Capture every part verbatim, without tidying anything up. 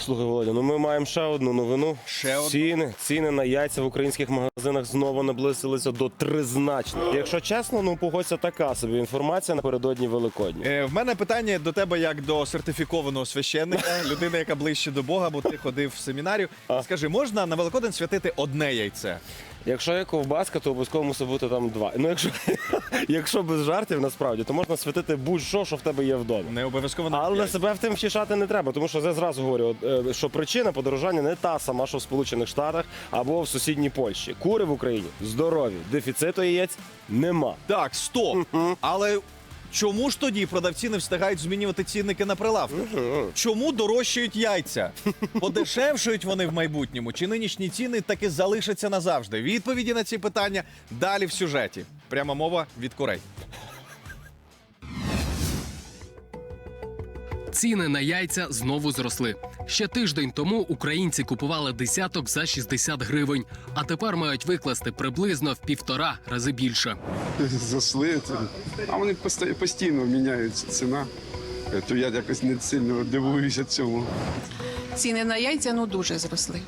Слухай, Володя, ну ми маємо ще одну новину. Ще одну? Ціни, ціни на яйця в українських магазинах знову наблизилися до тризначних. Якщо чесно, ну погодься, така собі інформація напередодні Великодня. Е, в мене питання до тебе як до сертифікованого священника, людини, яка ближче до Бога, бо ти ходив в семінарію. А. Скажи, можна на Великодень святити одне яйце? Якщо є ковбаска, то обов'язково мусить бути там два. Ну, якщо, якщо без жартів, насправді, то можна святити будь-що, що в тебе є вдома. Не обов'язково на Але яйця. себе в тим втішати не треба, тому що я зразу говорю, от, е, що причина подорожання не та сама, що в Сполучених Штатах або в сусідній Польщі. Кури в Україні здорові, дефіциту яєць нема. Так, стоп. Але чому ж тоді продавці не встигають змінювати цінники на прилавках? Чому дорожчають яйця? Подешевшують вони в майбутньому? Чи нинішні ціни таки залишаться назавжди? Відповіді на ці питання далі в сюжеті. Пряма мова від курей. Ціни на яйця знову зросли. Ще тиждень тому українці купували десяток за шістдесят гривень, а тепер мають викласти приблизно в півтора рази більше. Зросли, а вони поста- постійно міняються ціна. То я якось не сильно дивуюся цьому. Ціни на яйця ну дуже зросли.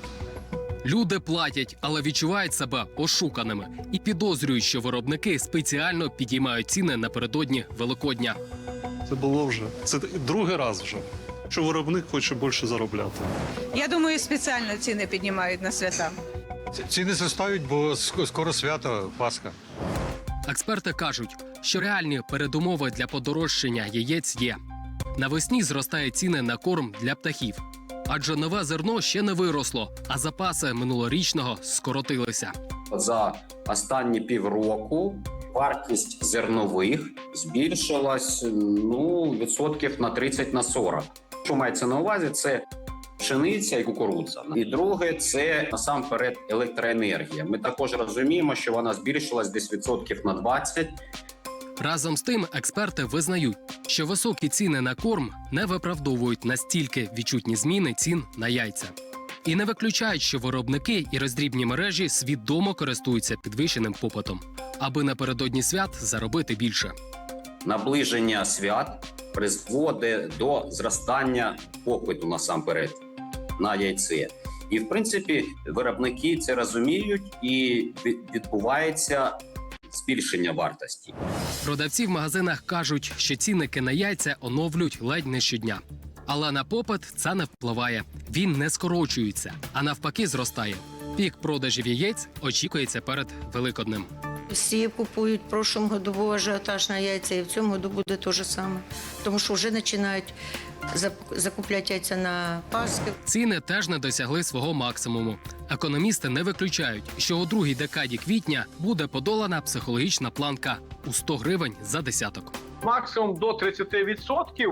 Люди платять, але відчувають себе ошуканими і підозрюють, що виробники спеціально підіймають ціни напередодні Великодня. Це було вже. Це другий раз вже. Що виробник хоче більше заробляти. Я думаю, спеціально ціни піднімають на свята. Ціни зростають, бо ск- скоро свято, Пасха. Експерти кажуть, що реальні передумови для подорожчання яєць є. Навесні зростають ціни на корм для птахів. Адже нове зерно ще не виросло, а запаси минулорічного скоротилися. За останні півроку вартість зернових збільшилась ну, відсотків на тридцять на сорок. Що мається на увазі, це пшениця і кукурудза. І друге, це насамперед електроенергія. Ми також розуміємо, що вона збільшилась десь відсотків на двадцять. Разом з тим, експерти визнають, що високі ціни на корм не виправдовують настільки відчутні зміни цін на яйця. І не виключають, що виробники і роздрібні мережі свідомо користуються підвищеним попитом, аби напередодні свят заробити більше. Наближення свят призводить до зростання попиту насамперед на яйце. І, в принципі, виробники це розуміють і від- відбувається збільшення вартості. Продавці в магазинах кажуть, що цінники на яйця оновлюють ледь не щодня. Але на попит це не впливає. Він не скорочується, а навпаки зростає. Пік продажів яєць очікується перед Великоднем. Всі купують в прошлом году був ажіотаж на яйця, і в цьому году буде те ж саме. Тому що вже починають зак- закупляти яйця на Пасхи. Ціни теж не досягли свого максимуму. Економісти не виключають, що у другій декаді квітня буде подолана психологічна планка у сто гривень за десяток. Максимум до тридцяти відсотків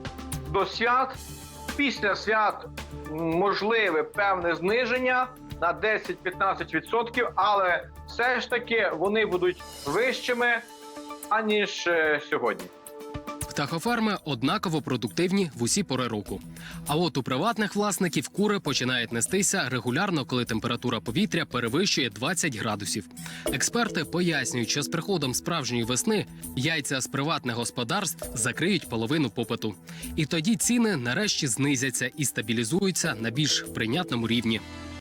до свят. Після свят можливе певне зниження на десять-п'ятнадцять відсотків, але все ж таки вони будуть вищими, аніж е, сьогодні. Птахоферми однаково продуктивні в усі пори року. А от у приватних власників кури починають нестися регулярно, коли температура повітря перевищує двадцять градусів. Експерти пояснюють, що з приходом справжньої весни яйця з приватних господарств закриють половину попиту. І тоді ціни нарешті знизяться і стабілізуються на більш прийнятному рівні.